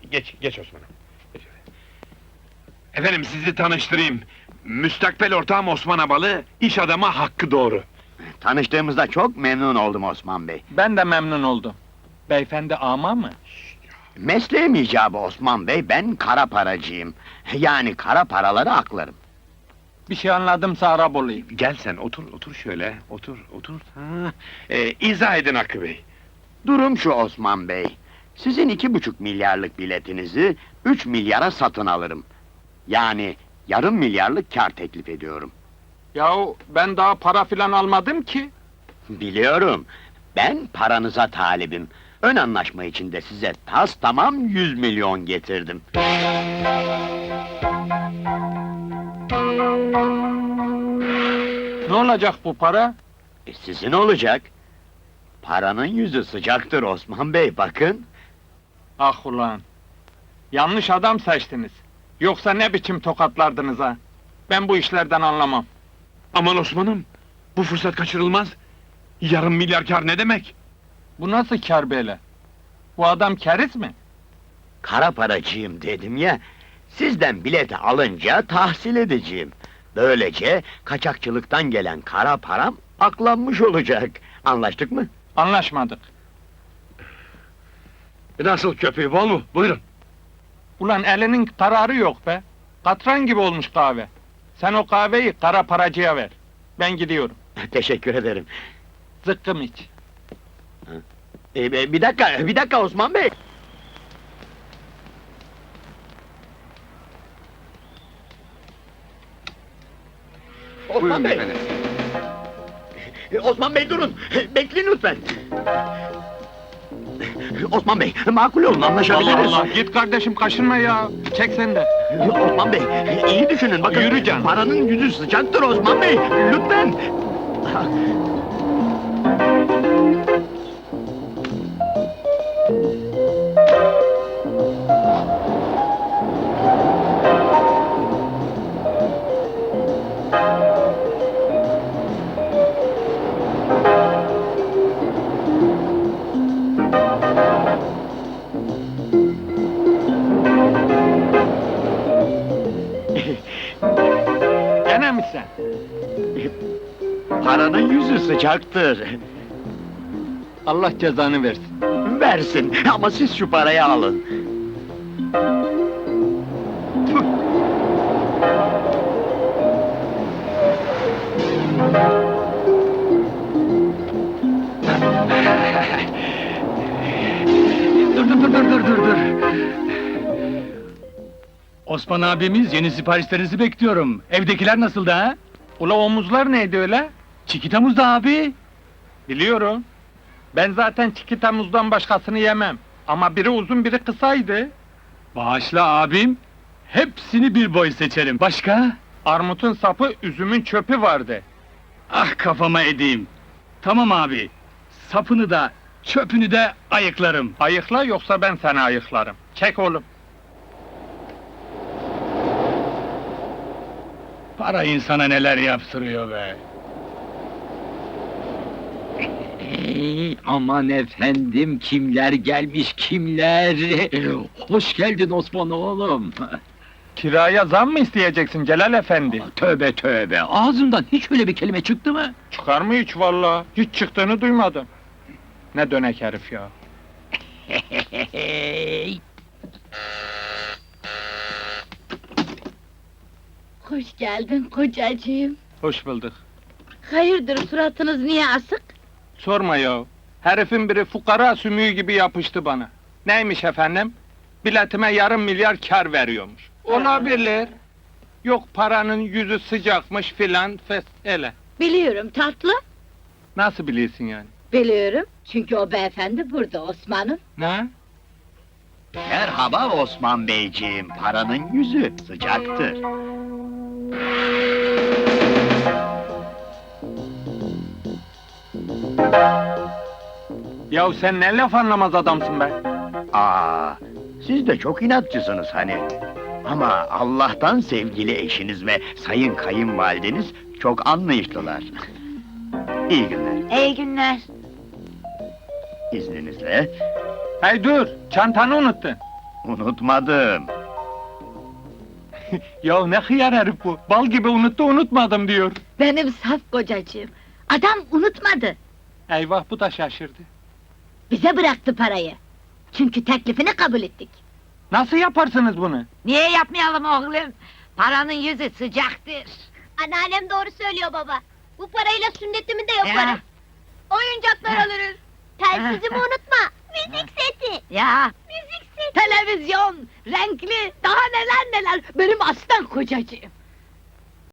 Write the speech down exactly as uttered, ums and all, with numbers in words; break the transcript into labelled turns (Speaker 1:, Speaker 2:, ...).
Speaker 1: Geç, geç Osman'ım. Geç öyle. Efendim sizi tanıştırayım. Müstakbel ortağım Osman Abalı, iş adamı Hakkı Doğru.
Speaker 2: Tanıştığımızda çok memnun oldum Osman Bey.
Speaker 3: Ben de memnun oldum. Beyefendi ama mı?
Speaker 2: Mesleğim icabı Osman Bey, ben kara paracıyım. Yani kara paraları aklarım.
Speaker 3: Bir şey anladımsa Arap olayım.
Speaker 1: Gel sen, otur, otur şöyle, otur, otur. Ha. Ee, izah edin Hakkı Bey.
Speaker 2: Durum şu Osman Bey, sizin iki buçuk milyarlık biletinizi üç milyara satın alırım. Yani yarım milyarlık kar teklif ediyorum.
Speaker 3: Yahu ben daha para filan almadım ki.
Speaker 2: Biliyorum, ben paranıza talibim. Ön anlaşma içinde size tas tamam yüz milyon getirdim.
Speaker 3: Ne olacak bu para?
Speaker 2: E, sizin olacak. Paranın yüzü sıcaktır Osman Bey, bakın.
Speaker 3: Ah ulan! Yanlış adam seçtiniz. Yoksa ne biçim tokatlardınız ha? Ben bu işlerden anlamam.
Speaker 1: Aman Osman'ım, bu fırsat kaçırılmaz. Yarım milyar kar ne demek?
Speaker 3: Bu nasıl kâr böyle? Bu adam keriz mi?
Speaker 2: Kara paracıyım dedim ya, sizden bileti alınca tahsil edeceğim. Böylece kaçakçılıktan gelen kara param aklanmış olacak. Anlaştık mı?
Speaker 3: Anlaşmadık.
Speaker 1: Nasıl köpüğü, bol mu? Buyurun.
Speaker 3: Ulan elinin kararı yok be! Katran gibi olmuş kahve. Sen o kahveyi kara paracıya ver. Ben gidiyorum.
Speaker 2: Teşekkür ederim.
Speaker 3: Zıkkım iç.
Speaker 2: E, e, bir dakika, bir dakika Osman Bey! Osman Bey! E, Osman Bey durun! Bekleyin lütfen! Osman Bey, makul olun,
Speaker 3: Allah
Speaker 2: anlaşabiliriz.
Speaker 3: Allah! Git kardeşim, kaşınma ya! Çek sen de!
Speaker 2: Osman Bey, iyi düşünün, bakın!
Speaker 3: Yürü canım.
Speaker 2: Paranın yüzü sıcaktır Osman Bey, lütfen!
Speaker 3: Gene mi sen?
Speaker 2: Paranın yüzü sıcaktır.
Speaker 3: Allah cezanı versin.
Speaker 2: Versin, ama siz şu parayı alın.
Speaker 4: Dur dur dur dur dur dur dur. Osman abimiz, yeni siparişlerinizi bekliyorum. Evdekiler nasıl da?
Speaker 3: Ula omuzlar neydi öyle?
Speaker 4: Çikitamuz da abi.
Speaker 3: Biliyorum. Ben zaten çikitamuzdan başkasını yemem. Ama biri uzun biri kısaydı.
Speaker 4: Bağışla abim. Hepsini bir boy seçerim. Başka?
Speaker 3: Armutun sapı, üzümün çöpü vardı.
Speaker 4: Ah kafama edeyim. Tamam abi. Sapını da, çöpünü de ayıklarım.
Speaker 3: Ayıkla yoksa ben seni ayıklarım. Çek oğlum.
Speaker 4: Para insana neler yaptırıyor be.
Speaker 5: Ey, aman efendim, kimler gelmiş kimler! Hoş geldin Osman oğlum!
Speaker 3: Kiraya zam mı isteyeceksin Celal Efendi?
Speaker 5: Tövbe tövbe, ağzından hiç öyle bir kelime çıktı mı?
Speaker 3: Çıkar mı hiç valla? Hiç çıktığını duymadım. Ne dönek herif ya!
Speaker 6: Hoş geldin kocacığım.
Speaker 3: Hoş bulduk.
Speaker 6: Hayırdır suratınız niye asık?
Speaker 3: Sorma ya! Herifin biri fukara sümüğü gibi yapıştı bana. Neymiş efendim? Biletime yarım milyar kar veriyormuş. Olabilir. Yok paranın yüzü sıcakmış filan fes ele.
Speaker 6: Biliyorum tatlı.
Speaker 3: Nasıl biliyorsun yani?
Speaker 6: Biliyorum. Çünkü o beyefendi burada Osman'ım.
Speaker 3: Ne?
Speaker 2: Merhaba Osman Beyciğim, paranın yüzü sıcaktır.
Speaker 3: Yahu sen ne laf anlamaz adamsın be!
Speaker 2: Aa, siz de çok inatçısınız hani. Ama Allah'tan sevgili eşiniz ve sayın kayınvalideniz çok anlayışlılar. İyi günler.
Speaker 6: İyi günler.
Speaker 2: İzninizle.
Speaker 3: Hey dur! Çantanı unuttun!
Speaker 2: Unutmadım.
Speaker 3: Ya ne hıyar herif bu. Bal gibi unuttu unutmadım diyor.
Speaker 6: Benim saf kocacığım. Adam unutmadı.
Speaker 3: Eyvah bu da şaşırdı.
Speaker 6: Bize bıraktı parayı. Çünkü teklifini kabul ettik.
Speaker 3: Nasıl yaparsınız bunu?
Speaker 6: Niye yapmayalım oğlum? Paranın yüzü sıcaktır.
Speaker 7: Anneannem doğru söylüyor baba. Bu parayla sünnetimi de yaparım.
Speaker 6: Ya.
Speaker 7: Oyuncaklar alırız. Telsizimi unutma. Müzik seti.
Speaker 6: Ya,
Speaker 7: Müzik seti.
Speaker 6: televizyon, renkli, daha neler neler. Benim aslan kocacığım.